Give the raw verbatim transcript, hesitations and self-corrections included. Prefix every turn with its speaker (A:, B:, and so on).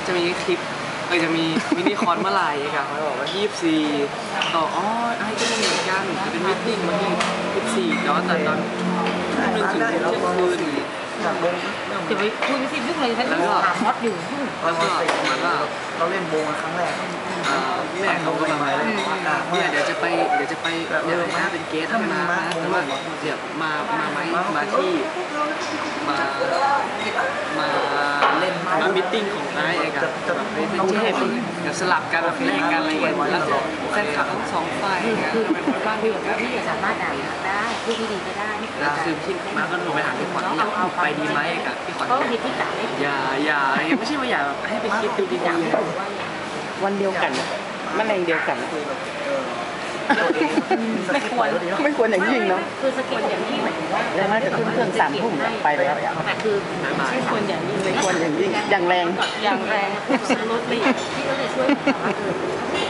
A: จะมีคลิปเออจะมีมินิคอนเมื่อไหร่ครับเขาบอกว่ายี่สิบสี่ต่ออ๋อไอ้ก็มีเหมือนกันจะเป็นมิทติ้งวันที่ยี่สิบสี่แต่ว่าตอนตอนหนึ่งถึงเที่ยงคืน
B: จากวง
C: เดี๋ยวไปคุยสิยุ่งเลยฉันถามมอสอยู่
A: แล้วก็มันก็
B: เราเล่นวงครั้งแรก
A: แม่เขาก็มาเนี่ยเดี๋ยวจะไปเดี๋ยวจะไปเดี๋ยวมาเป็นเกสถ้ามาแต่ว่าเดี๋ยวมามาไหมมาที่มามาเล่นมามิทติ้งของนายเองอะเป็นเจ๊เป็นเดี๋ยวสลับกันแลกกันอะไรเงี้ยแล้วแฟนคลับทั้งสองฝ่ายคือเป็นคนบ้านที่แบบ
C: พี่สามารถด่าได้พูดดีๆก็ได้
A: แล้วคือพี่มาก็โทรไปถามพี่ขวัญอยากไปดีไหมกับพี่ขวัญอย่าอย่าไม่ใช่ว่าอย่าให้ไปคิดดูดีๆ
D: วันเดียวกันแมลงเดียวกัน
C: ไม่ควร
D: ไม่ควรอย่างยิ่งเนาะ
C: คือสกิลอย่างยิ่งหมายถึงว่า
D: แล้วน่าจะขึ้นเครื่องสามทุ่มไปแล้ว
C: แต่คือไม่ควรอย่างยิ่ง
D: ไม่ควรอย่างยิ่งอย่างแรง
C: อย่างแรงสรุปเลยพี่ก็เลยช่วยแต่ว่าเออ